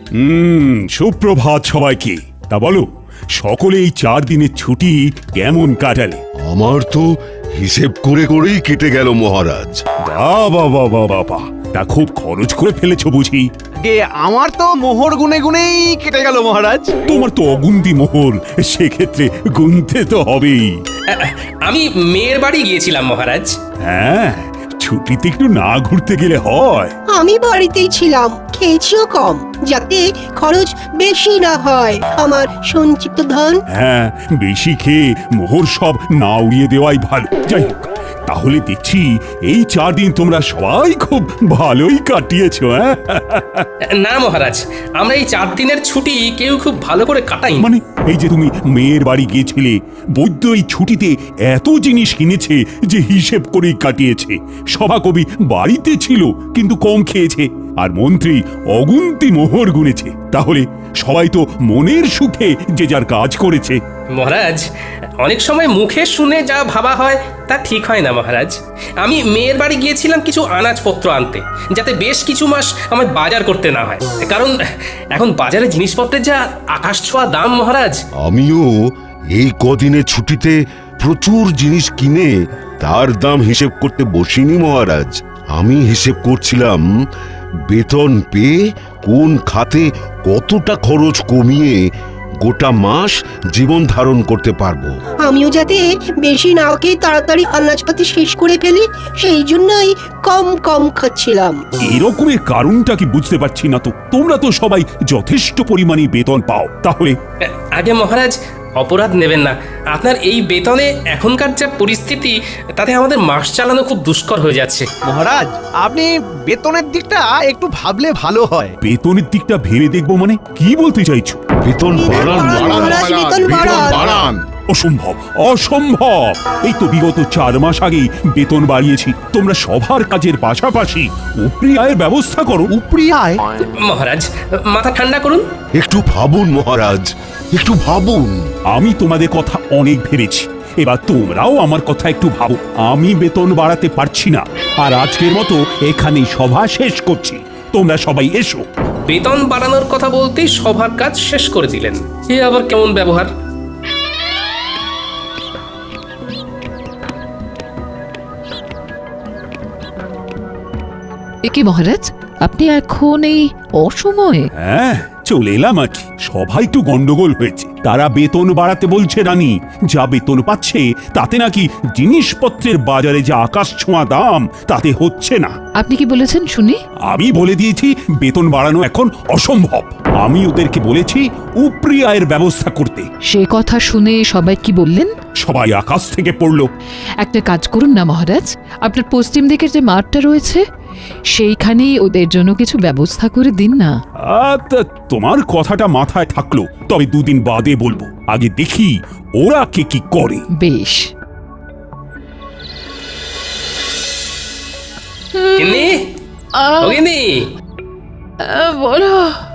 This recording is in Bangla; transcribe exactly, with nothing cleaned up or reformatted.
হুম সুপ্রভাত সবাইকে। তা বলো, সকলে এই চার দিনের ছুটি কেমন কাটালে? আমার তো হিসেব করে করেই কেটে গেল মহারাজ। বাবা বাবা বাবা, তা খুব খরচ করে ফেলেছো বুঝি? গে আমার তো মোহর গুনে গুনেই কেটে গেল মহারাজ। তোমার তো অগুন্তি মোহর, সেক্ষেত্রে গুনতে তো হবেই। আমি মেয়ের বাড়ি গিয়েছিলাম মহারাজ। হ্যাঁ, ছুটিতে একটু না ঘুরতে গেলে হয়? আমি বাড়িতেই ছিলাম, খেয়েছিও কম, যাতে খরচ বেশি না হয় আমার সঞ্চিত ধন। হ্যাঁ, বেশি খেয়ে মোহর সব না উড়িয়ে দেওয়াই ভালো। যাই হোক, তাহলে দেখছি এই চার দিন তোমরা সবাই খুব ভালোই কাটিয়েছো। হ্যাঁ না মহারাজ, আমরা এই চার দিনের ছুটি কেউ খুব ভালো করে কাটাই। মানে এই যে তুমি মেয়ের বাড়ি গিয়েছিলে, বৈদ্য এই ছুটিতে এত জিনিস কিনেছে যে হিসেব করেই কাটিয়েছে। সভাকবি বাড়িতে ছিল কিন্তু কম খেয়েছে, আর মন্ত্রী অগুন্তি মোহর গুনেছে। তাহলে সবাই তো মনের সুখে যে যার কাজ করেছে। মহারাজ, অনেক সময় মুখে শুনে যা ভাবা হয় তা ঠিক হয় না মহারাজ। আমি মেয়ের বাড়ি গিয়েছিলাম কিছু আনাজপত্র আনতে, যাতে বেশ কিছু মাস আমার বাজার করতে না হয়। কারণ এখন বাজারে জিনিসপত্রের যা আকাশ ছোঁয়া দাম মহারাজ। আমিও এই কদিনে ছুটিতে প্রচুর জিনিস কিনে তার দাম হিসেব করতে বসিনি মহারাজ। আমি হিসেব করছিলাম বেতন পেয়ে কোন খাতে কতটা খরচ কমিয়ে গোটা মাস জীবন ধারণ করতে পারবো। আমিও যাতে বেশি না খেয়ে তাড়াতাড়ি আনাজপাতি শেষ করে ফেলি, সেই জন্যই কম কম খাচ্ছিলাম। এরকমের কারণটা কি বুঝতে পারছি না তো। তোমরা তো সবাই যথেষ্ট পরিমাণে বেতন পাও, তাহলে আগে মহারাজ, অপরাধ নেবেন না। আপনার এই বেতনে এখনকার যা পরিস্থিতি, তাতে আমাদের মাস চালানো খুব দুষ্কর হয়ে যাচ্ছে। মহারাজ, আপনি বেতনের দিকটা একটু ভাবলে ভালো হয়। বেতনের দিকটা ভেবে দেখবো মানে কি বলতে চাইছো? বেতন বাড়ান, বাড়ান, মহারাজ, বেতন বেতন বাড়ান। বাড়ান। অসম্ভব, অসম্ভব। এই তো বিগত চার মাস আগেই বেতন বাড়িয়েছি। তোমরা সবার কাজের পাশাপাশি উপরি আয়ের ব্যবস্থা করো। উপরি আয়? মহারাজ, মাথা ঠান্ডা করুন। একটু ভাবুন মহারাজ, একটু ভাবুন। আমি তোমাদের কথা অনেক ভেবেছি, এবার তোমরাও আমার কথা একটু ভাবো। আমি বেতন বাড়াতে পারছি না, আর আজকের মতো এখানেই সভা শেষ করছি। তোমরা সবাই এসো। বেতন বাড়ানোর কথা বলতেই সবার কাজ শেষ করে দিলেন। এ আবার কেমন ব্যবহার? এ কি মহারাজ, আপনি এখন এই অসময়ে? হ্যাঁ, চলে এলাম আর কি। সবাই একটু গন্ডগোল হয়েছে। তারা বেতন বাড়াতে বলছে রানী। যা বেতন পাচ্ছে তাতে নাকি জিনিসপত্রের বাজারে যে আকাশ ছোঁয়া দাম, তাতে হচ্ছে না। আপনি কি বলেছেন শুনি? আমি বলে দিয়েছি বেতন বাড়ানো এখন অসম্ভব। আমি ওদেরকে বলেছি উপরি আয়ের ব্যবস্থা করতে। সে কথা শুনে সবাই কি বললেন? সবাই আকাশ থেকে পড়লো। একটা কাজ করুন না মহারাজ, আপনার পশ্চিম দিকের যে মাঠটা রয়েছে সেইখানেই ওদের জন্য কিছু ব্যবস্থা করে দিন না। আ, তা তোমার কথাটা মাথায় থাকলো, তবে দুদিন বাদে বলবো। আগে দেখি ওরা কে কি করে। বেশ। গিন্নি, ও গিন্নি, বলো।